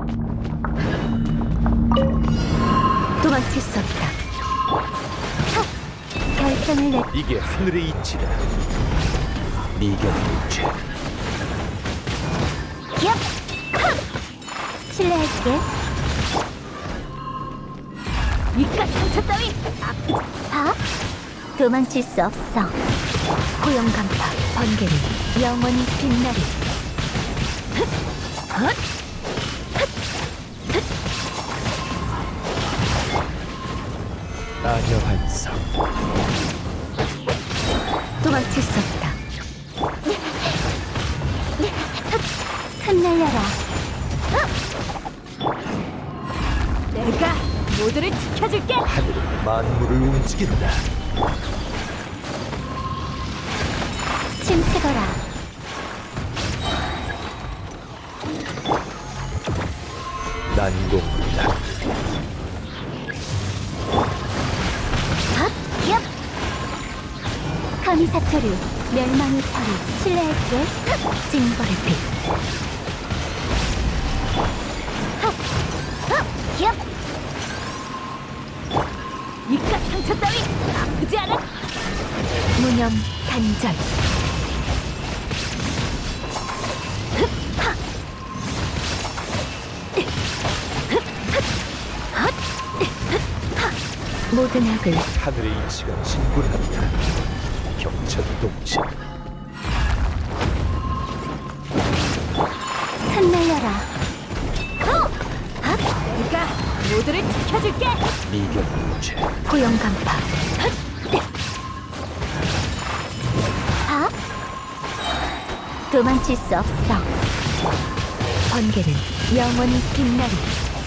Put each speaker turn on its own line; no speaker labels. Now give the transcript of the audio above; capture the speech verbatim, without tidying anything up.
도망칠 수 없다. 결정을 내.
이게 하늘의 이치다. 미견일체.
기업. 실례할게. 이깟 상처 따위 아프지. 봐. 도망칠 수 없어. 고용 간파 번개는 영원히 빛나리. 헛!
아녀 한상.
도망칠 수 없다. 흩날려라. 내가 모두를 지켜줄게.
하늘은 만물을 움직인다.
침체거라.
난공불락.
헛! 기업! 카미사토류 멸망의 서리 실례할게. 징벌의 빛. 헛! 헛! 기업! 이깟 상처 따위 아프지 않아? 무념 단절. 모든 악을
하늘의 이치가 진군한다. 경천동체.
흩날려라. 내가 모두를 지켜줄게.
미견일체.
고용 간파. 봐. 도망칠 수 없어. 번개는 영원히 빛나리.